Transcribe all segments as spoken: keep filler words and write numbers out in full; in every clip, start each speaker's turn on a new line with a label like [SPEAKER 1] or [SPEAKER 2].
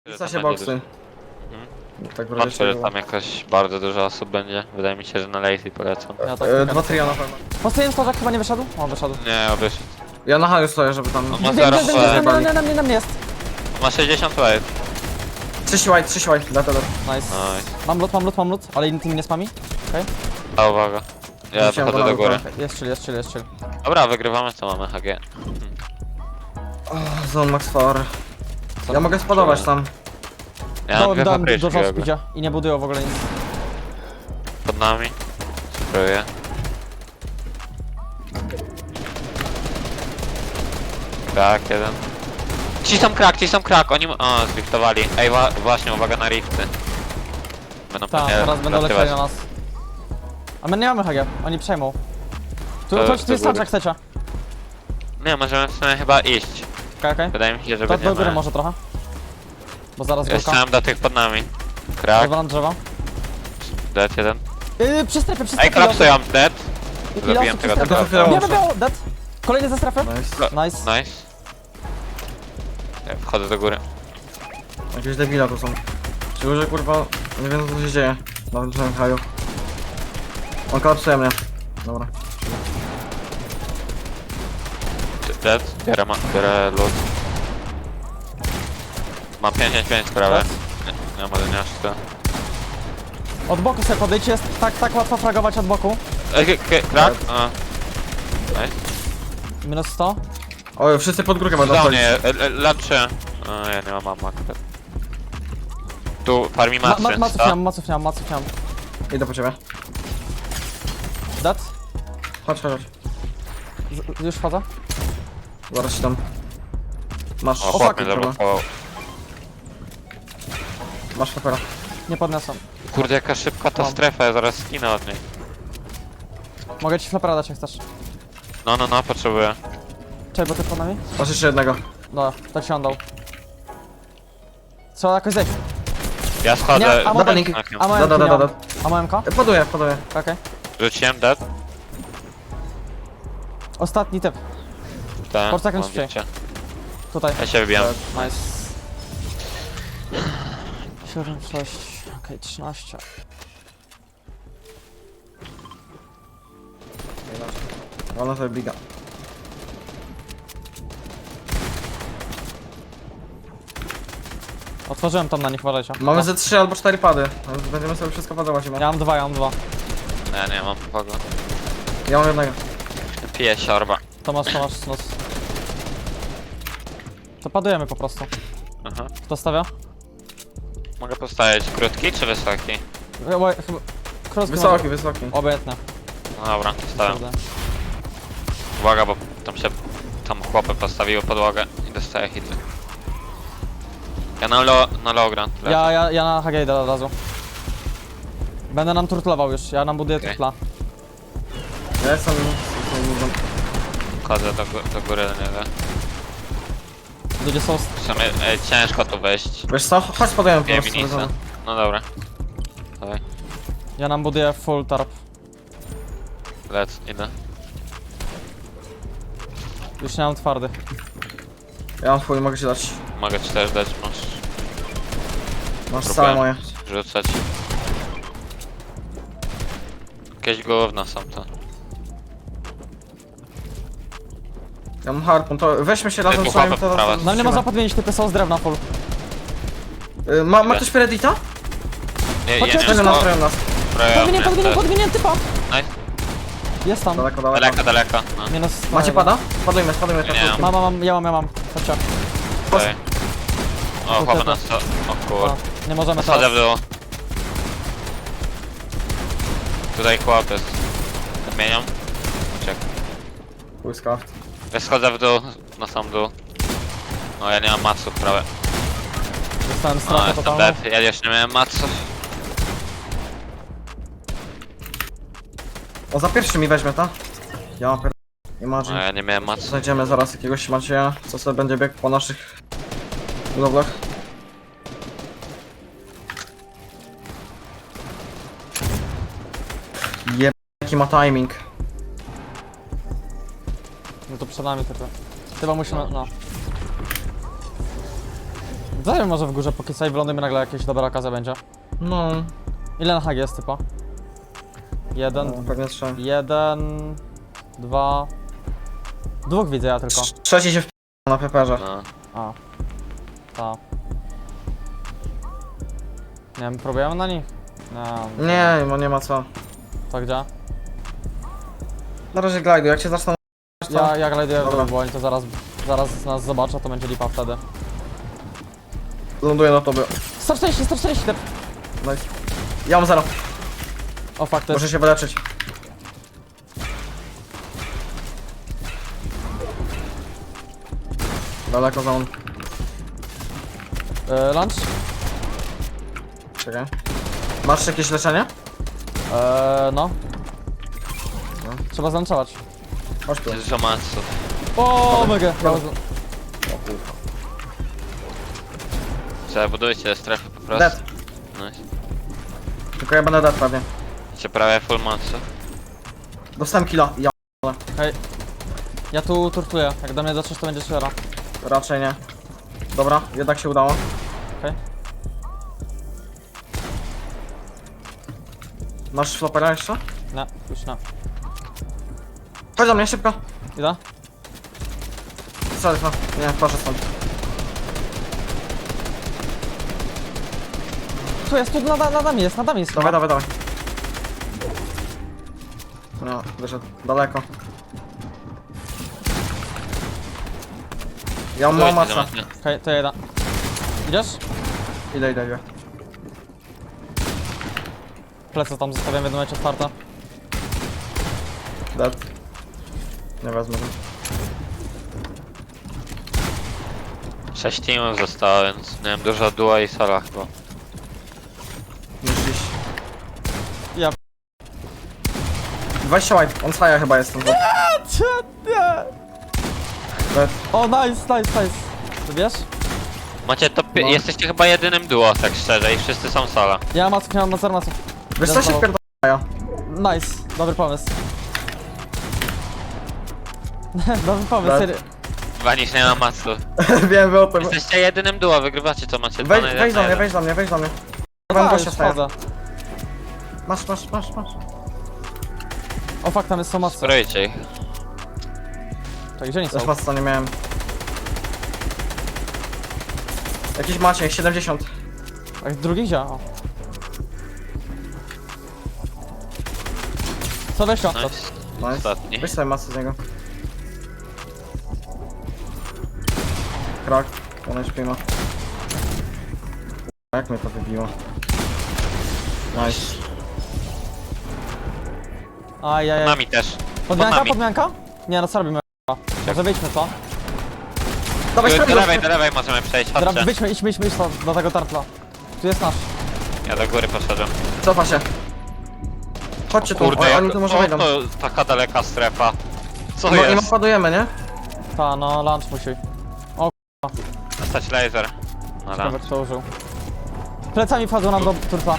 [SPEAKER 1] I co się boksy? Tak
[SPEAKER 2] Patrzę, że tam jakaś bardzo dużo osób będzie. Wydaje mi się, że na lazy polecam.
[SPEAKER 3] Ja tak
[SPEAKER 1] e, Dwa trio na pewno.
[SPEAKER 3] Postawiłem stożak, chyba nie wyszedł? O, wyszedł.
[SPEAKER 2] Nie, wyszedł.
[SPEAKER 1] Ja na haju stoję, żeby tam...
[SPEAKER 2] On ma
[SPEAKER 3] Bieg,
[SPEAKER 2] zero
[SPEAKER 3] bieg, bieg,
[SPEAKER 2] F.
[SPEAKER 3] na mnie, na mnie, na mnie jest.
[SPEAKER 2] Ma sześćdziesiąt wave.
[SPEAKER 1] Trzy white, trzy white, dla tebe.
[SPEAKER 3] Nice.
[SPEAKER 2] Nice.
[SPEAKER 3] Mam lód, mam lód, mam lód, ale tymi nie spami. Okej.
[SPEAKER 2] A uwaga. Ja
[SPEAKER 1] Wróciłem
[SPEAKER 2] wychodzę
[SPEAKER 1] do
[SPEAKER 2] do góry.
[SPEAKER 1] nauki.
[SPEAKER 3] Jest chill, jest chill, jest chill.
[SPEAKER 2] Dobra, wygrywamy, co mamy H G.
[SPEAKER 1] O, zone max power. Ja mogę spodować tam.
[SPEAKER 2] Ja mam
[SPEAKER 3] Dałem,
[SPEAKER 2] dwie
[SPEAKER 3] dałem
[SPEAKER 2] papryczki
[SPEAKER 3] dużo
[SPEAKER 2] w ogóle.
[SPEAKER 3] speedia i nie budują w ogóle nic.
[SPEAKER 2] Pod nami. Spróbuję. Krak jeden. Ci są krak, ci są krak, oni... O, zliftowali. Ej, wa właśnie, uwaga na rifty. Będą
[SPEAKER 3] Tak,
[SPEAKER 2] pewnie
[SPEAKER 3] teraz będą
[SPEAKER 2] latywać.
[SPEAKER 3] lecieli na nas. A my nie mamy H G, oni przejmą. Tu,
[SPEAKER 2] To-
[SPEAKER 3] tu,
[SPEAKER 2] to
[SPEAKER 3] tu jest
[SPEAKER 2] góry.
[SPEAKER 3] soundtrack, chcecie.
[SPEAKER 2] Nie, możemy w sumie chyba iść.
[SPEAKER 3] Okej, okej.
[SPEAKER 2] Wydaje mi się, że
[SPEAKER 3] To do góry
[SPEAKER 2] będziemy...
[SPEAKER 3] może trochę. Bo zaraz
[SPEAKER 2] Ja
[SPEAKER 3] górka.
[SPEAKER 2] chciałem do tych pod nami. Krak,
[SPEAKER 3] Rozwalam drzewa.
[SPEAKER 2] dead jeden.
[SPEAKER 3] Yy, przy strefie, przy
[SPEAKER 2] Ej,
[SPEAKER 3] strefie.
[SPEAKER 2] kolapsują, dead.
[SPEAKER 3] Ile
[SPEAKER 2] Zabiłem
[SPEAKER 3] osób przy
[SPEAKER 2] tego
[SPEAKER 3] strefie?
[SPEAKER 1] typa.
[SPEAKER 3] Białe, białe, dead. Kolejny ze strefy.
[SPEAKER 1] Nice.
[SPEAKER 3] Nice.
[SPEAKER 2] Nice. Ja wchodzę do góry.
[SPEAKER 1] Jakieś debile tu są. Ci ludzie kurwa, nie wiem co się dzieje. Na tym haju. On kolapsuje mnie. Dobra.
[SPEAKER 2] Dead. Biorę, ma, biorę loot. Mam pięćdziesiąt pięć prawie.
[SPEAKER 3] Dead.
[SPEAKER 2] Nie, nie mam jedenaście.
[SPEAKER 3] Od boku sobie podejdź, jest tak, tak łatwo fragować od boku.
[SPEAKER 2] Ej, k- k- krak? A. Nice.
[SPEAKER 3] Minus sto.
[SPEAKER 1] O, wszyscy pod górkę będą
[SPEAKER 2] Dał
[SPEAKER 1] wchodzić.
[SPEAKER 2] mnie, lepszy. A, ja nie mam mamma akurat. Tu farmi
[SPEAKER 3] Ma,
[SPEAKER 2] macy.
[SPEAKER 3] ma, maców
[SPEAKER 2] co?
[SPEAKER 3] nie mam, maców nie mam, maców nie mam.
[SPEAKER 1] Idę po ciebie.
[SPEAKER 3] Dead.
[SPEAKER 1] Chodź, chodź, chodź.
[SPEAKER 3] Z, już wchodzę.
[SPEAKER 1] Zaraz się tam... Masz...
[SPEAKER 2] O,
[SPEAKER 3] fuck,
[SPEAKER 2] chłop mnie
[SPEAKER 1] kurwa.
[SPEAKER 2] zablokował.
[SPEAKER 1] Masz papera.
[SPEAKER 3] Nie podniosę.
[SPEAKER 2] Kurde, jaka szybka ta
[SPEAKER 3] Mam.
[SPEAKER 2] strefa, ja zaraz skinę od niej.
[SPEAKER 3] Mogę ci flapera dać jak chcesz.
[SPEAKER 2] No, no, no, potrzebuję.
[SPEAKER 3] Czekaj, bo ty pod nami?
[SPEAKER 1] Masz jeszcze jednego.
[SPEAKER 3] Dobra, tak się on dał. Trzeba jakoś zejść.
[SPEAKER 2] Ja schodzę.
[SPEAKER 3] Nie, a
[SPEAKER 1] Dobra,
[SPEAKER 3] moment.
[SPEAKER 1] link.
[SPEAKER 3] A
[SPEAKER 1] Da, da, da, da, da.
[SPEAKER 3] A moją K?
[SPEAKER 1] E, Poduję, poduję.
[SPEAKER 3] Okej.
[SPEAKER 2] Rzuciłem dead.
[SPEAKER 3] Ostatni typ.
[SPEAKER 2] Tak,
[SPEAKER 3] Poczekaj,
[SPEAKER 2] mam
[SPEAKER 3] szybciej.
[SPEAKER 2] bicie.
[SPEAKER 3] Tutaj.
[SPEAKER 2] Ja się wybijam.
[SPEAKER 3] Nice. siedem, sześć, okej, trzynaście.
[SPEAKER 1] Ona sobie biga.
[SPEAKER 3] Otworzyłem tam na nich, uważajcie.
[SPEAKER 1] Mamy
[SPEAKER 3] O,
[SPEAKER 1] ze trzy albo cztery pady. Będziemy sobie wszystko padować.
[SPEAKER 3] Ja mam dwa, ja mam dwa.
[SPEAKER 2] Nie, nie mam kogo.
[SPEAKER 1] Ja mam jednego.
[SPEAKER 2] Piję siorba.
[SPEAKER 3] To masz, to masz snus. To padujemy po prostu.
[SPEAKER 2] Aha.
[SPEAKER 3] Kto stawia?
[SPEAKER 2] Mogę postawić krótki czy wysoki?
[SPEAKER 3] Ja- bo- chyba- Krótki
[SPEAKER 1] Wysoki,
[SPEAKER 3] może-
[SPEAKER 1] wysoki.
[SPEAKER 3] Obojętne.
[SPEAKER 2] No dobra, stawiam.
[SPEAKER 3] Kurde.
[SPEAKER 2] Uwaga, bo tam się... Tam chłopy postawiły podłogę i dostaję hity. Ja na, lo, na low ground lecę.
[SPEAKER 3] Ja, ja, ja na H G idę od razu. Będę nam turtlował już, ja nam buduję
[SPEAKER 2] Okej.
[SPEAKER 3] turtla.
[SPEAKER 1] Ja jestem...
[SPEAKER 2] Wchodzę do, gó- do góry do niego.
[SPEAKER 3] Ludzie są...
[SPEAKER 2] W sumie e, ciężko tu wejść.
[SPEAKER 1] Wiesz co? Chodź podajemy po
[SPEAKER 2] Nie
[SPEAKER 1] prostu.
[SPEAKER 2] minisa. No dobra. Dawaj,
[SPEAKER 3] Ja nam buduję full tarp.
[SPEAKER 2] lec, idę.
[SPEAKER 3] Już nie mam twardych.
[SPEAKER 1] Ja mam twój, mogę ci dać.
[SPEAKER 2] Mogę ci też dać, masz
[SPEAKER 1] Masz
[SPEAKER 2] Próbuję.
[SPEAKER 1] całe moje.
[SPEAKER 2] rzucać. Jakieś gówno są to.
[SPEAKER 1] Ja mam harpun, to weźmy się razem
[SPEAKER 2] Typu
[SPEAKER 1] z wami,
[SPEAKER 2] chłopy
[SPEAKER 1] to...
[SPEAKER 2] prawa.
[SPEAKER 3] Na mnie można podmienić typy, są z drewna full.
[SPEAKER 1] Y, Ma, ma ktoś Peredita?
[SPEAKER 2] Nie,
[SPEAKER 3] Chodź,
[SPEAKER 2] ja
[SPEAKER 3] chodź,
[SPEAKER 2] nie
[SPEAKER 1] Tego
[SPEAKER 3] chodź.
[SPEAKER 1] nastroją nas.
[SPEAKER 3] Podmienię, podmienię,
[SPEAKER 2] też.
[SPEAKER 3] podmienię typa!
[SPEAKER 2] Nice.
[SPEAKER 3] Jest tam.
[SPEAKER 1] Daleko, daleko.
[SPEAKER 2] Daleko, daleko. No.
[SPEAKER 3] Minus...
[SPEAKER 1] Macie pada? Spadujmy, spadujmy.
[SPEAKER 2] Nie, nie mam.
[SPEAKER 3] Mam, mam, mam, ja mam, ja mam. Chodźcie.
[SPEAKER 2] Okej. O,
[SPEAKER 3] Tu
[SPEAKER 2] chłopy
[SPEAKER 3] typy.
[SPEAKER 2] nas to... O
[SPEAKER 3] A,
[SPEAKER 2] kur...
[SPEAKER 3] nie możemy
[SPEAKER 2] Schodzę
[SPEAKER 3] teraz.
[SPEAKER 2] w dół. Tutaj chłop jest. Zmieniam. Czek.
[SPEAKER 1] Błyska.
[SPEAKER 2] Ja schodzę w dół, na sam dół. No ja nie mam maców prawie.
[SPEAKER 3] Dostałem
[SPEAKER 2] No
[SPEAKER 3] stratę
[SPEAKER 2] jestem
[SPEAKER 3] totalną.
[SPEAKER 2] dead, ja jeszcze nie miałem maców.
[SPEAKER 1] O, za pierwszy mi weźmie, ta? Ja pier...
[SPEAKER 2] No
[SPEAKER 1] Imagine.
[SPEAKER 2] ja nie miałem maców.
[SPEAKER 1] Znajdziemy zaraz jakiegoś Macieja, co sobie będzie biegł po naszych budowlach. Jeb... Jaki ma timing.
[SPEAKER 3] No to przed nami typy. Chyba musimy, no. Zajmę może w górze, póki sobie wylądujemy, nagle jakieś dobra okazja będzie.
[SPEAKER 1] No,
[SPEAKER 3] Ile na hag jest typa? Jeden,
[SPEAKER 1] no pewnie trzeba.
[SPEAKER 3] jeden, dwa... Dwóch widzę ja tylko.
[SPEAKER 1] Trzeci się w na peperze.
[SPEAKER 2] No.
[SPEAKER 3] A. Ta. Nie wiem, próbujemy na nich? Nie.
[SPEAKER 1] Nie, no nie ma co.
[SPEAKER 3] To gdzie?
[SPEAKER 1] Na razie glajdu, jak się zaczną... to-
[SPEAKER 3] Ja, ja glajduję w
[SPEAKER 1] Dobra.
[SPEAKER 3] dół, bo oni to zaraz, zaraz nas zobaczą, to będzie lipa wtedy.
[SPEAKER 1] Ląduję na tobie.
[SPEAKER 3] sto czterdzieści, sto czterdzieści, te...
[SPEAKER 1] Nice. Ja mam zero.
[SPEAKER 3] O fuck, to
[SPEAKER 1] Muszę
[SPEAKER 3] jest...
[SPEAKER 1] się wyleczyć. Daleko za on.
[SPEAKER 3] Yy, lunch?
[SPEAKER 1] Czekaj. Masz jakieś leczenie?
[SPEAKER 3] Eee, no.
[SPEAKER 1] No.
[SPEAKER 3] Trzeba zlunczować.
[SPEAKER 1] Chodź tu.
[SPEAKER 2] Jest Zomatsu.
[SPEAKER 3] O, mega.
[SPEAKER 1] Dobra.
[SPEAKER 2] Zabudujcie strefę po prostu.
[SPEAKER 1] Dead.
[SPEAKER 2] Nice.
[SPEAKER 1] Tylko ja będę dead pewnie.
[SPEAKER 2] Macie prawie full matsu.
[SPEAKER 1] Dostałem killa. Ja
[SPEAKER 3] Hej. Ja tu turtuję. Jak do mnie dotrzesz, to będzie szera.
[SPEAKER 1] raczej nie. Dobra, jednak się udało.
[SPEAKER 3] Okej.
[SPEAKER 1] Masz flopera jeszcze?
[SPEAKER 3] Nie, już nie.
[SPEAKER 1] Chodź do mnie, szybko.
[SPEAKER 3] Idę?
[SPEAKER 1] Sorry, no. Nie, proszę stąd.
[SPEAKER 3] Tu jest, tu nad, nad nami jest, nad nami jest.
[SPEAKER 1] Dawaj, dawaj, dawaj. No, wyszedł daleko. Ja mam
[SPEAKER 2] Budujcie
[SPEAKER 1] masa.
[SPEAKER 2] Zomatsu.
[SPEAKER 3] Okej, to ja idę. Idziesz?
[SPEAKER 1] Idę, idę, idę.
[SPEAKER 3] Plecy tam zostawiam w jednym momencie otwarte.
[SPEAKER 1] Dead. Nie wezmę go.
[SPEAKER 2] Sześć teamów zostało, więc nie wiem, dużo duo i sola chyba.
[SPEAKER 1] Musisz.
[SPEAKER 3] Ja...
[SPEAKER 1] dwadzieścia white, on staje chyba jest tam.
[SPEAKER 3] Nie!
[SPEAKER 1] Dead.
[SPEAKER 3] O, nice, nice, nice. Ty wiesz?
[SPEAKER 2] Macie to pi-
[SPEAKER 1] No.
[SPEAKER 2] jesteście chyba jedynym duo, tak szczerze, i wszyscy są sola.
[SPEAKER 3] Ja mam maców, ja mam na zero maców.
[SPEAKER 1] Wiesz co się wpierdala?
[SPEAKER 3] Nice, dobry pomysł. Dobry pomysł,
[SPEAKER 1] Tak.
[SPEAKER 3] serio.
[SPEAKER 2] Wanisz nie ma matsu.
[SPEAKER 1] Wiem, wy o tym.
[SPEAKER 2] Jesteście jedynym duo, wygrywacie co macie. dwa
[SPEAKER 1] Wejdź,
[SPEAKER 2] na jeden
[SPEAKER 1] wejdź
[SPEAKER 2] na
[SPEAKER 1] do mnie,
[SPEAKER 2] jeden.
[SPEAKER 1] wejdź do mnie, wejdź do mnie.
[SPEAKER 3] Dawaj,
[SPEAKER 1] Wam
[SPEAKER 3] już
[SPEAKER 1] gościa staje.
[SPEAKER 3] wchodzę.
[SPEAKER 1] Masz, masz, masz, masz.
[SPEAKER 3] O fuck, tam jest są macy.
[SPEAKER 2] Sprojcie ich.
[SPEAKER 3] Tak, gdzie oni są?
[SPEAKER 1] Też masa nie miałem. Jakiś macie, siedemdziesiąt.
[SPEAKER 3] Tak, drugi gdzie? O. Co weź to?
[SPEAKER 2] Nice.
[SPEAKER 1] Nice.
[SPEAKER 2] Ostatni.
[SPEAKER 1] Weź sobie masę z niego. Krak, on śpi ma. Jak mnie to wybiło? Nice.
[SPEAKER 3] Ajajaj.
[SPEAKER 2] Nami też.
[SPEAKER 3] Podmianka,
[SPEAKER 2] nami.
[SPEAKER 3] podmianka? Nie, no co robimy? Może wyjdźmy, co?
[SPEAKER 1] Dawaj,
[SPEAKER 2] Do, do
[SPEAKER 1] sprawdź
[SPEAKER 2] lewej,
[SPEAKER 1] go.
[SPEAKER 2] do lewej możemy przejść,
[SPEAKER 3] Dobra,
[SPEAKER 2] chodźcie.
[SPEAKER 3] wyjdźmy, idźmy, idźmy, idźmy do, do tego tartla. Tu jest nasz.
[SPEAKER 2] Ja do góry poszedłem.
[SPEAKER 1] Cofa się. Chodźcie tu,
[SPEAKER 2] Kurde,
[SPEAKER 1] o,
[SPEAKER 2] jak,
[SPEAKER 1] oni tu może
[SPEAKER 2] o,
[SPEAKER 1] wejdą.
[SPEAKER 2] to taka daleka strefa. Co
[SPEAKER 1] No i
[SPEAKER 2] jest?
[SPEAKER 1] napadujemy, nie?
[SPEAKER 3] Ta, no, lunch musi.
[SPEAKER 2] Dostać laser. No da.
[SPEAKER 3] Ciekawe, kto użył. Plecami wchodzą nam do turtla.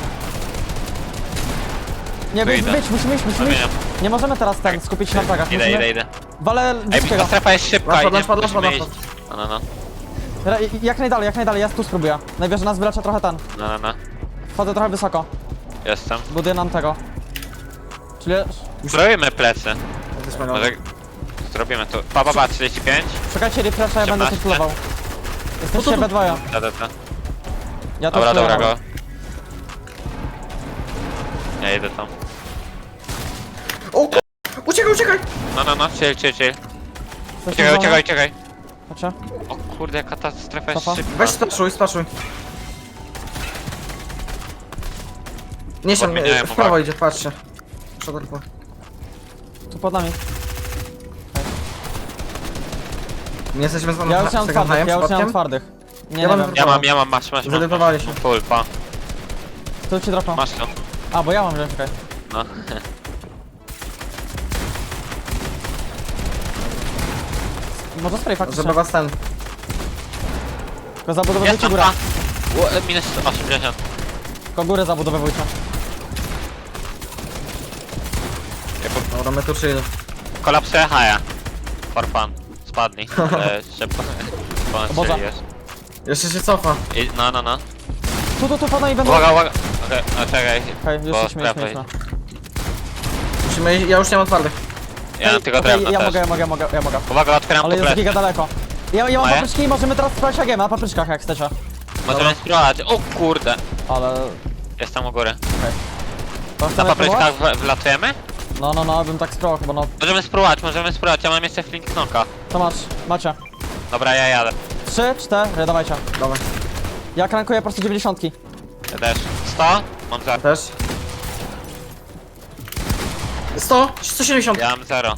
[SPEAKER 3] Nie,
[SPEAKER 2] Tu
[SPEAKER 3] wyjdź,
[SPEAKER 2] idę.
[SPEAKER 3] wyjdź, musimy iść, musimy iść.
[SPEAKER 2] Zamieniam.
[SPEAKER 3] Nie możemy teraz ten skupić się na plagach.
[SPEAKER 2] Idę,
[SPEAKER 3] Musimy...
[SPEAKER 2] idę, idę.
[SPEAKER 3] Walę
[SPEAKER 2] Ej,
[SPEAKER 3] wysokiego.
[SPEAKER 2] ta strefa jest szybka
[SPEAKER 1] Lampad,
[SPEAKER 2] i nie
[SPEAKER 1] lampad,
[SPEAKER 2] musimy
[SPEAKER 1] lampad,
[SPEAKER 2] iść. No, no, no.
[SPEAKER 3] Jak najdalej, jak najdalej, ja tu spróbuję. Najwyżej nas wyleczę trochę ten.
[SPEAKER 2] No, no, no.
[SPEAKER 3] Wchodzę trochę wysoko.
[SPEAKER 2] Jestem.
[SPEAKER 3] Buduję nam tego. Czyli...
[SPEAKER 2] Zrobimy plecy.
[SPEAKER 1] Jesteśmy na...
[SPEAKER 2] Może zrobimy to. Pa, pa, pa, trzydzieści pięć.
[SPEAKER 3] Czekajcie, refresha, ja będę tu
[SPEAKER 2] osiemnaście.
[SPEAKER 3] plował. Jesteście B dwa.
[SPEAKER 2] Da, da, da.
[SPEAKER 3] Ja
[SPEAKER 2] Dobra,
[SPEAKER 3] też
[SPEAKER 2] dobra,
[SPEAKER 3] pływam.
[SPEAKER 2] go. Ja idę tam.
[SPEAKER 1] O k***! Uciekaj, uciekaj!
[SPEAKER 2] No, no, no, chill, chill, chill.
[SPEAKER 3] Jesteśmy
[SPEAKER 2] Uciekaj,
[SPEAKER 3] w zonie?
[SPEAKER 2] uciekaj, uciekaj.
[SPEAKER 3] Chodźcie.
[SPEAKER 2] O kurde, jaka ta strefa jest
[SPEAKER 3] Cofa.
[SPEAKER 2] szybka.
[SPEAKER 1] Weź splaszuj, splaszuj. Nie się,
[SPEAKER 2] Podmieniałem
[SPEAKER 1] w prawo
[SPEAKER 2] uwagę.
[SPEAKER 1] idzie, patrzcie. Przodarku.
[SPEAKER 3] Tu pod nami.
[SPEAKER 1] Nie jesteśmy z wami
[SPEAKER 3] Ja już nie mam twardych, ja już nie mam
[SPEAKER 1] przypadkiem?
[SPEAKER 3] twardych. Nie,
[SPEAKER 1] Ja
[SPEAKER 3] nie
[SPEAKER 1] mam
[SPEAKER 3] wiem.
[SPEAKER 2] Ja mam, ja mam, masz, masz, masz.
[SPEAKER 1] Zdenerwowali
[SPEAKER 2] masz.
[SPEAKER 1] się.
[SPEAKER 2] Full, pa.
[SPEAKER 3] Tu ci dropną.
[SPEAKER 2] Masz to.
[SPEAKER 3] A, bo ja mam wziąć, okej.
[SPEAKER 2] No.
[SPEAKER 3] Może spray faktycznie.
[SPEAKER 1] Żeby was ten...
[SPEAKER 3] Tylko zabudowujcie
[SPEAKER 2] Jest tam,
[SPEAKER 3] górę.
[SPEAKER 2] pa. Ło- Minus osiemdziesiąt.
[SPEAKER 3] Tylko górę zabudowywujcie.
[SPEAKER 2] Ja po-
[SPEAKER 1] Dobra, my tu chill.
[SPEAKER 2] Kolapsuje haja. For fun. Spadli. Ale szybko.
[SPEAKER 3] O Boże.
[SPEAKER 2] Ponad jest.
[SPEAKER 1] Jeszcze się cofa.
[SPEAKER 2] I, no, no, no.
[SPEAKER 3] Tu, tu, tu, pana i będą...
[SPEAKER 2] Uwaga, uwaga. Okej, no czekaj.
[SPEAKER 3] Okej, już
[SPEAKER 2] Bo
[SPEAKER 3] jesteśmy,
[SPEAKER 2] strefa
[SPEAKER 3] jesteśmy.
[SPEAKER 1] Musimy iść, ja już nie mam twardych.
[SPEAKER 2] Ja mam tylko
[SPEAKER 3] Okej,
[SPEAKER 2] drewno
[SPEAKER 3] ja
[SPEAKER 2] też.
[SPEAKER 3] mogę, ja mogę, ja mogę, ja mogę.
[SPEAKER 2] Uwaga, otwieram
[SPEAKER 3] Ale
[SPEAKER 2] tu
[SPEAKER 3] jest
[SPEAKER 2] plecy.
[SPEAKER 3] giga daleko. Ja, ja mam
[SPEAKER 2] Moje?
[SPEAKER 3] papryczki i możemy teraz spróbować agiem na papryczkach jak chcecie.
[SPEAKER 2] Możemy spróbować. O kurde.
[SPEAKER 3] Ale...
[SPEAKER 2] Jestem u góry.
[SPEAKER 3] To
[SPEAKER 2] Na
[SPEAKER 3] chcemy
[SPEAKER 2] papryczkach
[SPEAKER 3] spróbować?
[SPEAKER 2] w, wlatujemy?
[SPEAKER 3] No, no, no, bym tak spróbował chyba, no.
[SPEAKER 2] Możemy spróbować, możemy spróbować. Ja mam jeszcze flink knocka.
[SPEAKER 3] To masz, macie.
[SPEAKER 2] Dobra, ja jadę.
[SPEAKER 3] Trzy, cztery, dawajcie.
[SPEAKER 1] Dawaj.
[SPEAKER 3] Ja krankuję po prostu dziewięćdziesiątki.
[SPEAKER 2] Ja też. sto? Mam zero.
[SPEAKER 1] Też. sto, sto siedemdziesiąt.
[SPEAKER 2] Ja mam zero.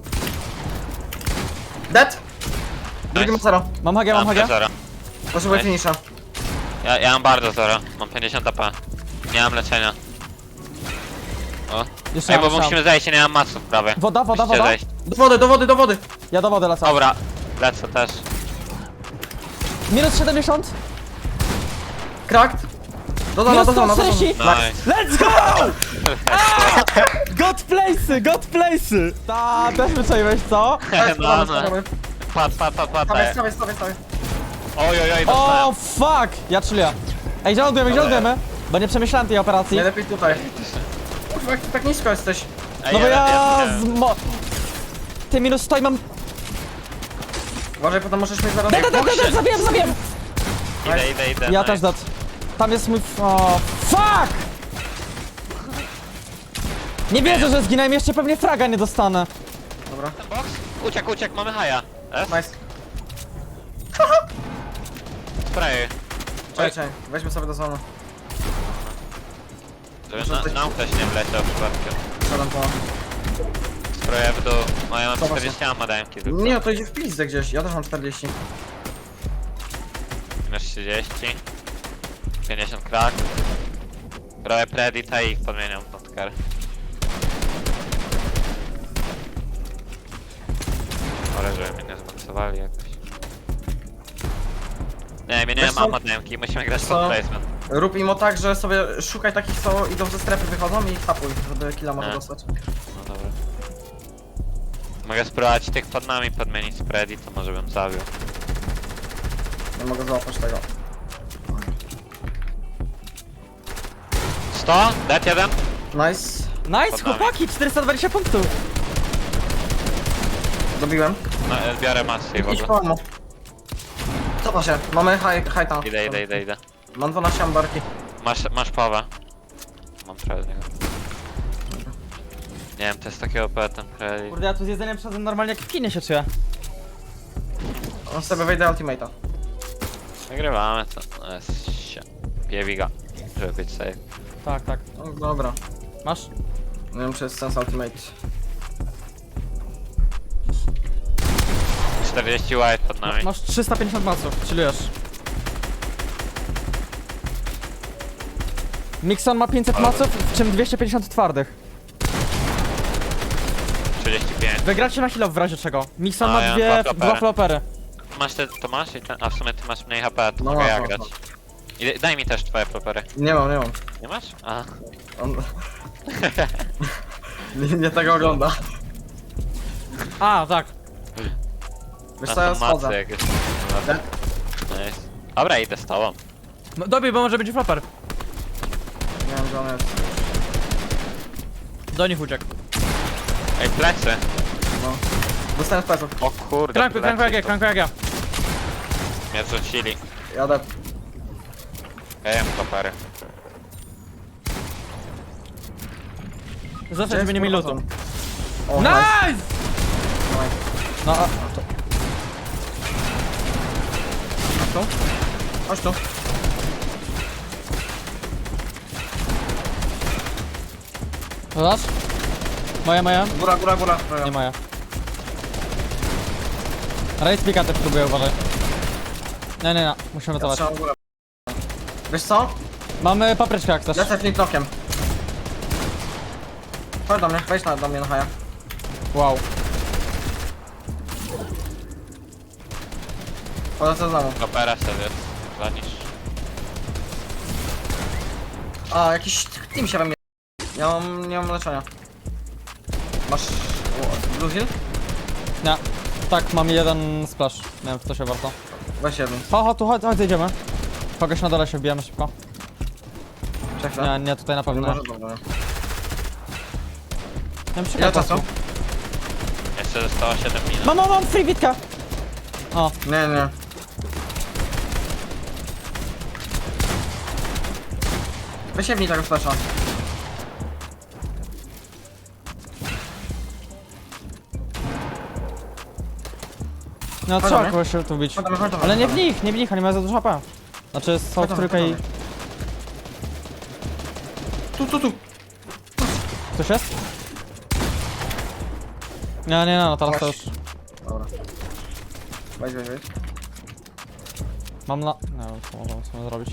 [SPEAKER 1] Dead. Drugi ma
[SPEAKER 2] Nice.
[SPEAKER 1] zero.
[SPEAKER 3] Mam hagę,
[SPEAKER 2] Ja
[SPEAKER 3] mam
[SPEAKER 2] mam
[SPEAKER 3] hagę.
[SPEAKER 2] zero.
[SPEAKER 1] Potrzebuję
[SPEAKER 2] Nice.
[SPEAKER 1] finisza.
[SPEAKER 2] Ja, ja mam bardzo zero. Mam pięćdziesiąt A P. Nie mam leczenia. O.
[SPEAKER 3] Jeszcze
[SPEAKER 2] Ej, bo
[SPEAKER 3] raz,
[SPEAKER 2] musimy zejść, ja nie mam maców prawie.
[SPEAKER 3] Woda, woda,
[SPEAKER 2] Musicie
[SPEAKER 3] woda.
[SPEAKER 2] zejść.
[SPEAKER 1] Do wody, do wody, do wody.
[SPEAKER 3] Ja do wody lecę.
[SPEAKER 2] Dobra, lecę też.
[SPEAKER 3] Minus siedemdziesiąt.
[SPEAKER 1] Cracked. Do zona,
[SPEAKER 3] Minus
[SPEAKER 1] do zona, do zona.
[SPEAKER 3] sto trzydzieści.
[SPEAKER 2] Nice.
[SPEAKER 3] Let's go! God place'y, god place'y! Ta, też wyczaiłeś, co?
[SPEAKER 2] No, no. Pat, pat, pat, pat.
[SPEAKER 1] Stawiaj, stawiaj, stawiaj, stawiaj.
[SPEAKER 2] Oj, oj, oj,
[SPEAKER 3] O,
[SPEAKER 2] dostałem.
[SPEAKER 3] fuck! Ja chilluję. Ej, gdzie lądujemy, gdzie
[SPEAKER 2] Dobra.
[SPEAKER 3] lądujemy? Bo nie przemyślałem tej operacji.
[SPEAKER 1] Najlepiej tutaj. Kurwa, jak ty tak nisko jesteś.
[SPEAKER 2] Ej,
[SPEAKER 3] No bo ja
[SPEAKER 2] nie-
[SPEAKER 3] z mo... Ty minus sto i mam...
[SPEAKER 1] Uważaj, potem możesz mieć zaraz...
[SPEAKER 3] Da, da, da, da, da, zabiłem, zabiłem!
[SPEAKER 2] Idę, idę, idę.
[SPEAKER 3] Ja
[SPEAKER 2] nice.
[SPEAKER 3] też dat. Tam jest mój... O, fuck! Nie wierzę, że zginąłem, jeszcze pewnie fraga nie dostanę.
[SPEAKER 1] Dobra.
[SPEAKER 2] Ten box? Uciekł, uciekł, mamy haja. S?
[SPEAKER 1] Nice.
[SPEAKER 2] Spray.
[SPEAKER 1] Czekaj, czekaj. Weźmy sobie do zona.
[SPEAKER 2] Żeby na, nam ktoś nie wleciał przypadkiem.
[SPEAKER 1] Siadam po...
[SPEAKER 2] Spraję w dół. O, ja mam
[SPEAKER 1] Zobacz.
[SPEAKER 2] czterdzieści ammo dajemki tylko.
[SPEAKER 1] Nie, to idzie w pizdę gdzieś. Ja też mam czterdzieści.
[SPEAKER 2] Masz trzydzieści. pięćdziesiąt krak. Robię predita i ich podmieniam w notker. Ale żeby mnie nie zmaksowali jakoś. Nie,
[SPEAKER 1] Wiesz
[SPEAKER 2] mieniłem
[SPEAKER 1] co?
[SPEAKER 2] ammo dajemki, musimy grać
[SPEAKER 1] Co?
[SPEAKER 2] pod placement.
[SPEAKER 1] Rób im o tak, że sobie szukaj takich, co idą ze strefy, wychodzą i ich tapuj, żeby killa może
[SPEAKER 2] Nie.
[SPEAKER 1] dostać.
[SPEAKER 2] No dobra. Mogę spróbować tych pod nami podmienić z predi, to może bym zabił.
[SPEAKER 1] Nie mogę załapać tego.
[SPEAKER 2] sto? Dead jeden?
[SPEAKER 1] Nice.
[SPEAKER 3] Nice,
[SPEAKER 2] Pod nami.
[SPEAKER 3] chłopaki, czterysta dwadzieścia punktów.
[SPEAKER 1] Dobiłem.
[SPEAKER 2] No, e, biorę masę i w
[SPEAKER 1] Idź
[SPEAKER 2] ogóle.
[SPEAKER 1] po ammo. Cofa się. Mamy high, high tam.
[SPEAKER 2] Idę, idę, idę, idę.
[SPEAKER 1] Mam dwanaście ambarki.
[SPEAKER 2] Masz, masz pawę. Mam trochę z niego. Nie wiem, to jest takie O P ten credit.
[SPEAKER 3] Kurde, ja tu z jedzeniem przeszedłem normalnie jak w kinie się czuję.
[SPEAKER 1] On sobie wejdę ultimate'a.
[SPEAKER 2] Nagrywamy to. No jest się. Piewiga, żeby być safe.
[SPEAKER 3] Tak, tak.
[SPEAKER 1] No, dobra.
[SPEAKER 3] Masz?
[SPEAKER 1] Nie wiem, czy jest sens ultimate.
[SPEAKER 2] czterdzieści white pod nami.
[SPEAKER 3] Masz trzysta pięćdziesiąt maców, chillujesz. Mixon ma pięćset
[SPEAKER 2] Ale-
[SPEAKER 3] maców, w czym dwieście pięćdziesiąt twardych.
[SPEAKER 2] trzydzieści pięć.
[SPEAKER 3] Wygracie na heal w razie czego. Mixon
[SPEAKER 2] A,
[SPEAKER 3] ma
[SPEAKER 2] ja mam
[SPEAKER 3] dwie,
[SPEAKER 2] dwa flopery.
[SPEAKER 3] dwa flopery.
[SPEAKER 2] Masz te, to masz? I ten, a w sumie ty masz mniej H P, to
[SPEAKER 1] No,
[SPEAKER 2] mogę
[SPEAKER 1] mam,
[SPEAKER 2] ja
[SPEAKER 1] mam,
[SPEAKER 2] grać.
[SPEAKER 1] mam.
[SPEAKER 2] I, daj mi też twoje propery.
[SPEAKER 1] Nie mam, nie mam.
[SPEAKER 2] Nie masz? A.
[SPEAKER 1] On... nie, nie tego ogląda.
[SPEAKER 3] A, tak.
[SPEAKER 1] Wiesz
[SPEAKER 2] A
[SPEAKER 1] co, ja
[SPEAKER 2] są macy
[SPEAKER 1] schodzę.
[SPEAKER 2] jakieś.
[SPEAKER 1] Dead.
[SPEAKER 2] Nice. Dobra, idę z tobą.
[SPEAKER 3] No, dobij, bo może będzie floper.
[SPEAKER 1] Nie wiem, gdzie on jest.
[SPEAKER 3] Do nich uciekł.
[SPEAKER 2] Ej, plecy.
[SPEAKER 1] No. Dostałem z pleców.
[SPEAKER 2] O kurde,
[SPEAKER 3] Krankuj,
[SPEAKER 2] plecy
[SPEAKER 3] krankuj jak ja,
[SPEAKER 2] to
[SPEAKER 3] krankuj jak ja.
[SPEAKER 2] mnie zrzucili.
[SPEAKER 1] Jadę.
[SPEAKER 2] Ja jem propery.
[SPEAKER 3] Zawsze żeby nie mieli lutu.
[SPEAKER 1] O, nice.
[SPEAKER 3] Nice!
[SPEAKER 1] Nice.
[SPEAKER 3] No, a,
[SPEAKER 1] Chodź tu. Chodź tu.
[SPEAKER 3] zobacz. Moja, moja.
[SPEAKER 1] Góra, góra, góra.
[SPEAKER 3] Nie moja. Race pika też próbuję, uważaj. Nie, nie, nie, musimy
[SPEAKER 1] Ja
[SPEAKER 3] wycofać.
[SPEAKER 1] trzymam górę. Wiesz co?
[SPEAKER 3] Mamy papryczkę jak chcesz.
[SPEAKER 1] Lecę flintlockiem. Chodź do mnie, wejdź na, do mnie na haja.
[SPEAKER 3] Wow.
[SPEAKER 1] Polecę znowu.
[SPEAKER 2] Propera sobie zanisz.
[SPEAKER 1] A, jakiś team się we mnie. Ja mam, nie mam leczenia. Masz... o, Blue Hill?
[SPEAKER 3] Nie. Tak, mam jeden splash. Nie wiem, czy to się warto.
[SPEAKER 1] Weź jeden.
[SPEAKER 3] Ho, ho, tu chodź, chodź, idziemy. Kogoś na dole się wbijamy szybko.
[SPEAKER 1] Czekaj.
[SPEAKER 3] Nie, nie, tutaj na pewno nie.
[SPEAKER 1] Może dobra.
[SPEAKER 3] Nie wiem,
[SPEAKER 1] Ile
[SPEAKER 3] czekaj,
[SPEAKER 1] czasu?
[SPEAKER 2] Jeszcze zostało siedem minut.
[SPEAKER 3] Mam, mam, mam, free bitka! O,
[SPEAKER 1] Nie, nie. Wysiewni tego flasha.
[SPEAKER 3] no
[SPEAKER 1] Chodź
[SPEAKER 3] trzeba
[SPEAKER 1] do mnie.
[SPEAKER 3] kogoś tu bić.
[SPEAKER 1] Chodź do mnie, chodź do mnie,
[SPEAKER 3] Ale nie
[SPEAKER 1] chodź
[SPEAKER 3] w
[SPEAKER 1] do mnie.
[SPEAKER 3] nich, nie w nich, oni mają za dużo H P. Znaczy są
[SPEAKER 1] Chodź
[SPEAKER 3] w
[SPEAKER 1] do mnie,
[SPEAKER 3] trójkę
[SPEAKER 1] chodź
[SPEAKER 3] i...
[SPEAKER 1] do mnie. Tu, tu, tu.
[SPEAKER 3] Ktoś jest? Nie, nie, no, teraz to już...
[SPEAKER 1] Dobra. Wejdź, wejdź, wejdź.
[SPEAKER 3] Mam na... Nie wiem, co możemy sobie zrobić.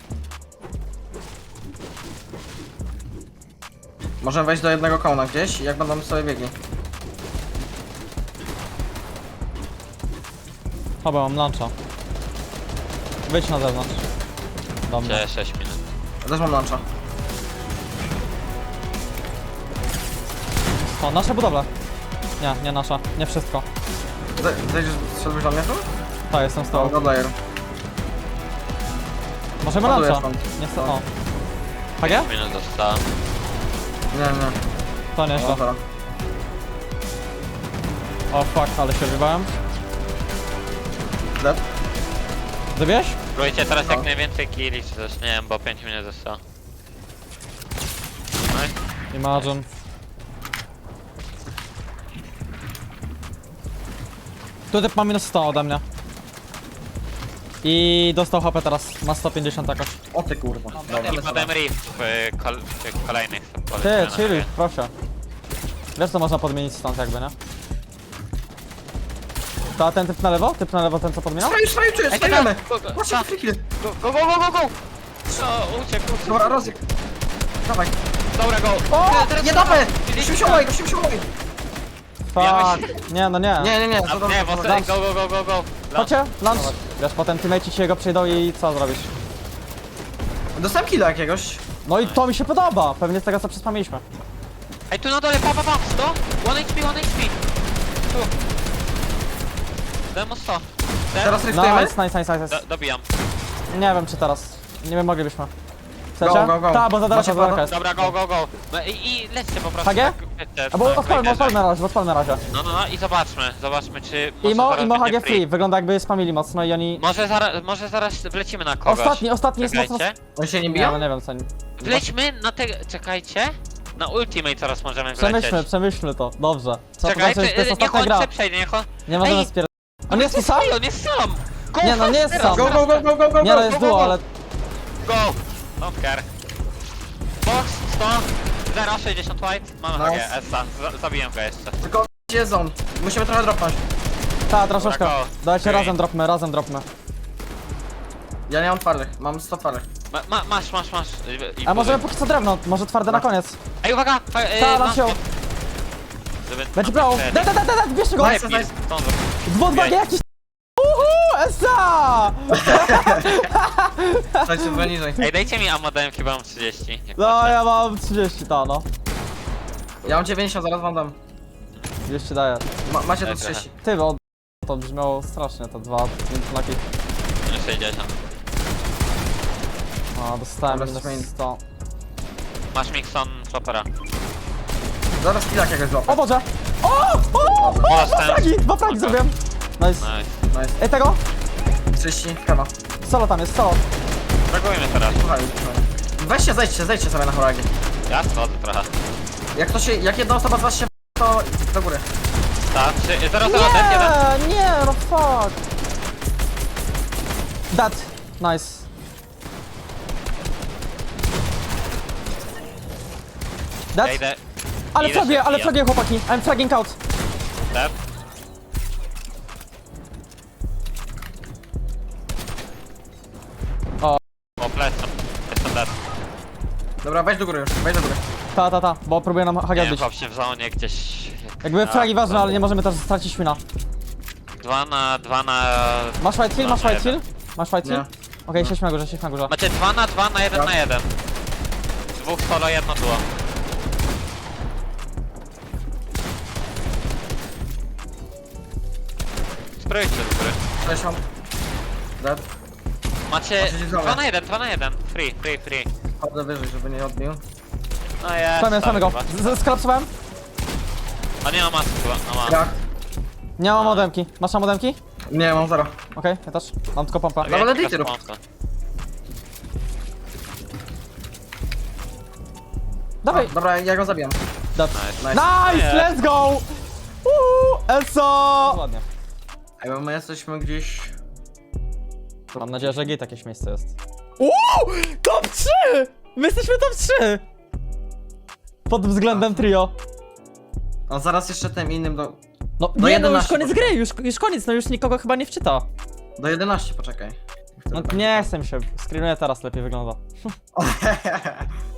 [SPEAKER 1] Możemy wejść do jednego kona gdzieś, jak będą sobie biegli.
[SPEAKER 3] Chyba mam luncha. Wyjdź na zewnątrz. Dobra.
[SPEAKER 2] Gdzie sześć minut.
[SPEAKER 1] Ja też mam luncha.
[SPEAKER 3] O, nasze budowle. Nie, nie nasza. Nie wszystko.
[SPEAKER 1] Ze- Zejdziesz, szedłeś do mnie tu?
[SPEAKER 3] Tak, jestem z
[SPEAKER 1] To
[SPEAKER 3] tobą.
[SPEAKER 1] go player.
[SPEAKER 3] Możemy
[SPEAKER 1] Ładuję
[SPEAKER 3] luncha.
[SPEAKER 1] stąd.
[SPEAKER 3] Nie chcę... O. H G?
[SPEAKER 2] pięć minut zostało.
[SPEAKER 1] Nie, nie.
[SPEAKER 3] To
[SPEAKER 1] No,
[SPEAKER 3] nieźle.
[SPEAKER 1] dobra.
[SPEAKER 3] O fuck, ale się wybałem.
[SPEAKER 1] Dead?
[SPEAKER 3] Zabiłeś?
[SPEAKER 2] Próbujcie teraz
[SPEAKER 1] No.
[SPEAKER 2] jak najwięcej killi czy coś, nie wiem, bo pięć minut zostało. No
[SPEAKER 3] Imagine. Tu typ ma minus sto ode mnie. I dostał H P teraz. Ma sto pięćdziesiąt jakoś.
[SPEAKER 1] O ty kurwa. Dobra.
[SPEAKER 2] i potem rift w, y, kol w kolejnych
[SPEAKER 3] Ty,
[SPEAKER 2] polecimy na
[SPEAKER 3] chilluj,
[SPEAKER 2] siebie.
[SPEAKER 3] proszę. Wiesz co można podmienić stąd jakby, nie? To a ten typ na lewo? Typ na lewo, ten co podmieniał?
[SPEAKER 1] Straj, straj, czuję,
[SPEAKER 2] Ej,
[SPEAKER 1] strajemy!
[SPEAKER 2] go, go,
[SPEAKER 1] Patrz,
[SPEAKER 2] ta.
[SPEAKER 1] free kill.
[SPEAKER 2] Go, go, go, go, go, go! O, uciekł, uciekł.
[SPEAKER 1] Dobra, rozyk. Dawaj.
[SPEAKER 2] Dobra, go!
[SPEAKER 1] O,
[SPEAKER 2] Teraz
[SPEAKER 1] nie
[SPEAKER 2] go.
[SPEAKER 1] damy! Musimy się umyć, musimy się umyć.
[SPEAKER 3] Fuck. Nie, no nie.
[SPEAKER 1] Nie, nie, nie,
[SPEAKER 2] A,
[SPEAKER 1] to
[SPEAKER 2] nie,
[SPEAKER 1] dobrze.
[SPEAKER 2] w
[SPEAKER 1] to
[SPEAKER 2] ostatnim,
[SPEAKER 1] dobrze.
[SPEAKER 2] go, go, go, go, go!
[SPEAKER 3] Chodźcie, lunch. Wiesz, potem teammate ci jego przyjdą i co zrobisz?
[SPEAKER 1] Dostałem killa jakiegoś.
[SPEAKER 3] No i to mi się podoba. Pewnie z tego co przespamiliśmy.
[SPEAKER 2] Ej, tu na dole, pa, pa, pa, sto! jeden H P, jeden H P! Tu! Demo sto. Ten?
[SPEAKER 1] Teraz ryftujemy?
[SPEAKER 3] Nice, nice, nice, nice.
[SPEAKER 2] Do, dobijam.
[SPEAKER 3] Nie wiem czy teraz. Nie wiem, moglibyśmy. Chcecie?
[SPEAKER 1] Go, go, go.
[SPEAKER 3] Tak, bo za daleko,
[SPEAKER 1] Macie
[SPEAKER 3] za daleko
[SPEAKER 1] pada?
[SPEAKER 3] jest.
[SPEAKER 2] Dobra, go, go, go. No i, i lećcie po prostu.
[SPEAKER 3] H G?
[SPEAKER 2] tak, wiecie,
[SPEAKER 3] A bo
[SPEAKER 2] na
[SPEAKER 3] odpalmy,
[SPEAKER 2] Quakerze.
[SPEAKER 3] odpalmy na razie, odpalmy na razie.
[SPEAKER 2] No, no, no i zobaczmy, zobaczmy czy może
[SPEAKER 3] Imo,
[SPEAKER 2] zaraz
[SPEAKER 3] Imo H
[SPEAKER 2] będzie
[SPEAKER 3] G free. Wygląda jakby spamili mocno i oni...
[SPEAKER 2] Może zaraz, może zaraz wlecimy na kogoś.
[SPEAKER 3] Ostatni, ostatni jest mocno...
[SPEAKER 2] Czekajcie.
[SPEAKER 1] Oni się nie
[SPEAKER 3] Nie,
[SPEAKER 1] biją?
[SPEAKER 3] no nie wiem co oni...
[SPEAKER 2] Wlećmy na te... czekajcie. Na ultimate teraz możemy wlecieć.
[SPEAKER 3] Przemyślmy, przemyślmy to, dobrze. Trzeba
[SPEAKER 2] Czekajcie,
[SPEAKER 3] zobaczyć, to jest
[SPEAKER 2] niech
[SPEAKER 3] ostatnia
[SPEAKER 2] on
[SPEAKER 3] gra.
[SPEAKER 2] se przejdzie, niech on...
[SPEAKER 3] Nie możemy
[SPEAKER 2] Ej,
[SPEAKER 3] spier... On jest tu sam?
[SPEAKER 2] on jest sam! Go
[SPEAKER 3] Nie, no nie jest
[SPEAKER 2] teraz,
[SPEAKER 3] sam.
[SPEAKER 1] Go,
[SPEAKER 2] teraz,
[SPEAKER 1] go, go, go, go, go,
[SPEAKER 3] Nie no
[SPEAKER 1] go,
[SPEAKER 3] jest
[SPEAKER 1] go,
[SPEAKER 3] duo,
[SPEAKER 1] go.
[SPEAKER 3] ale...
[SPEAKER 2] Go! Don't care. Box, sto, zero, sześćdziesiąt white. Mamy H G,
[SPEAKER 1] Nice.
[SPEAKER 2] Essa. Z- Zabiję go jeszcze.
[SPEAKER 1] Tylko gdzie jest on? Musimy trochę dropnąć.
[SPEAKER 3] Ta, troszeczkę.
[SPEAKER 2] Dobra, go.
[SPEAKER 3] Dajcie
[SPEAKER 2] Okej.
[SPEAKER 3] razem dropmy, razem dropmy.
[SPEAKER 1] Ja nie mam twardych, mam sto twardych.
[SPEAKER 2] Ma, ma, masz, masz, masz. I, i
[SPEAKER 3] A może
[SPEAKER 2] buduj.
[SPEAKER 3] póki co drewno, może twarde na koniec.
[SPEAKER 2] Ej, uwaga! fa- e,
[SPEAKER 3] Ta,
[SPEAKER 2] masz
[SPEAKER 3] nam się...
[SPEAKER 2] mnie. Żeby
[SPEAKER 3] Będzie
[SPEAKER 2] nam
[SPEAKER 3] brało.
[SPEAKER 2] przejść.
[SPEAKER 3] Da, da, da, da, da, bierzcie go!
[SPEAKER 1] Nice, nice.
[SPEAKER 2] Stąd.
[SPEAKER 3] Dwo, dwa,
[SPEAKER 2] Okej.
[SPEAKER 3] jakiś... Uhu, esa!
[SPEAKER 1] Słuchajcie, trochę niżej.
[SPEAKER 2] Ej, dajcie mi ammo, dałem chyba mam trzydzieści. jak
[SPEAKER 3] No,
[SPEAKER 2] macie.
[SPEAKER 3] ja mam trzydzieści, ta no.
[SPEAKER 1] Ja mam dziewięćdziesiąt, zaraz wam dam.
[SPEAKER 3] trzydzieści daję.
[SPEAKER 1] Ma, macie
[SPEAKER 2] Daj
[SPEAKER 1] tu
[SPEAKER 2] trochę.
[SPEAKER 1] trzydzieści.
[SPEAKER 3] Ty, bo to brzmiało strasznie, to dwa, pięć laki.
[SPEAKER 2] Minus sześćdziesiąt.
[SPEAKER 3] No, dostałem
[SPEAKER 1] Dobra,
[SPEAKER 3] minus
[SPEAKER 1] zmień.
[SPEAKER 3] sto.
[SPEAKER 2] Masz Mixon Choppera.
[SPEAKER 1] Zaraz killa jakiegoś
[SPEAKER 3] O
[SPEAKER 1] złapę.
[SPEAKER 3] Boże! O! O! O! Dwa
[SPEAKER 2] dostałem.
[SPEAKER 3] fragi! Dwa fragi
[SPEAKER 2] Dobra.
[SPEAKER 3] zrobiłem! Nice.
[SPEAKER 2] Nice.
[SPEAKER 1] Nice.
[SPEAKER 3] Ej, tego?
[SPEAKER 1] trzydzieści, kawa.
[SPEAKER 3] Solo tam jest, solo.
[SPEAKER 2] Reagujmy teraz.
[SPEAKER 1] Słuchaj, słuchaj. Weźcie, zejdźcie, zejdźcie sobie na horagi.
[SPEAKER 2] Ja schodzę trochę.
[SPEAKER 1] Jak to się, jak jedna osoba z was się f- to do góry.
[SPEAKER 2] Tak, trzy, zero, zero, dead, jeden.
[SPEAKER 3] Nie, nie, no fuck. That. Nice. That?
[SPEAKER 2] Ja idę.
[SPEAKER 3] Ale
[SPEAKER 2] idę
[SPEAKER 3] fragię,
[SPEAKER 2] się
[SPEAKER 3] ale
[SPEAKER 2] wbijam.
[SPEAKER 3] fragię chłopaki. I'm fragging out.
[SPEAKER 2] Dead.
[SPEAKER 3] O.
[SPEAKER 2] O, plecam. Jestem dead.
[SPEAKER 1] Dobra, wejdź do góry już, wejdź do góry.
[SPEAKER 3] Ta, ta, ta, bo próbuję nam H G
[SPEAKER 2] Nie wiem,
[SPEAKER 3] odbić.
[SPEAKER 2] chłop się w zonie gdzieś...
[SPEAKER 3] Jakby
[SPEAKER 2] Tak,
[SPEAKER 3] fragi ważne,
[SPEAKER 2] tak.
[SPEAKER 3] ale nie możemy też stracić wina.
[SPEAKER 2] Dwa na... dwa na...
[SPEAKER 3] Masz white hill,
[SPEAKER 2] No,
[SPEAKER 3] masz white
[SPEAKER 2] jeden.
[SPEAKER 3] hill? Masz white hill?
[SPEAKER 1] Nie.
[SPEAKER 3] Okej, siedź na górze, siedź na górze.
[SPEAKER 2] Macie dwa na dwa na jeden
[SPEAKER 1] Tak.
[SPEAKER 2] na jeden. Dwóch solo, jedno duo. Sprayujcie do góry.
[SPEAKER 1] sześćdziesiąt. dead.
[SPEAKER 2] Macie
[SPEAKER 1] Macie się
[SPEAKER 2] dwa na jeden, dwa na jeden. Free, free, free.
[SPEAKER 1] Chodzę wyżej, żeby nie odbił.
[SPEAKER 2] No jest.
[SPEAKER 3] Spamy, spamy go.
[SPEAKER 2] kurwa.
[SPEAKER 3] Z- Skolapsowałem?
[SPEAKER 2] A nie ma masy chyba, no ma.
[SPEAKER 1] Jak?
[SPEAKER 3] Nie mam modemki. Masz tam modemki?
[SPEAKER 1] Nie, mam zero.
[SPEAKER 3] Okej, ja też. Mam tylko pompę.
[SPEAKER 2] Tak,
[SPEAKER 1] Dobra,
[SPEAKER 2] ja
[SPEAKER 1] dajcie
[SPEAKER 2] teraz
[SPEAKER 1] rób.
[SPEAKER 2] pompę.
[SPEAKER 3] Dawaj!
[SPEAKER 1] Dobra, ja go zabijam.
[SPEAKER 3] Dead.
[SPEAKER 2] Nice.
[SPEAKER 1] Nice.
[SPEAKER 3] Nice,
[SPEAKER 2] Nie.
[SPEAKER 3] let's go! Uuu, Eso! Ładnie.
[SPEAKER 1] Ej, bo my jesteśmy gdzieś...
[SPEAKER 3] Mam nadzieję, że git jakieś miejsce jest. Uuu! Top trzy! My jesteśmy top trzy! Pod względem trio.
[SPEAKER 1] A zaraz jeszcze tym innym do...
[SPEAKER 3] No
[SPEAKER 1] Do
[SPEAKER 3] nie no, już
[SPEAKER 1] jedenaście
[SPEAKER 3] koniec
[SPEAKER 1] poczekaj.
[SPEAKER 3] gry, już, już koniec, no już nikogo chyba nie wczyta.
[SPEAKER 1] Do jedenaście, poczekaj.
[SPEAKER 3] No nie chcę mi się, screenuję teraz, lepiej wygląda.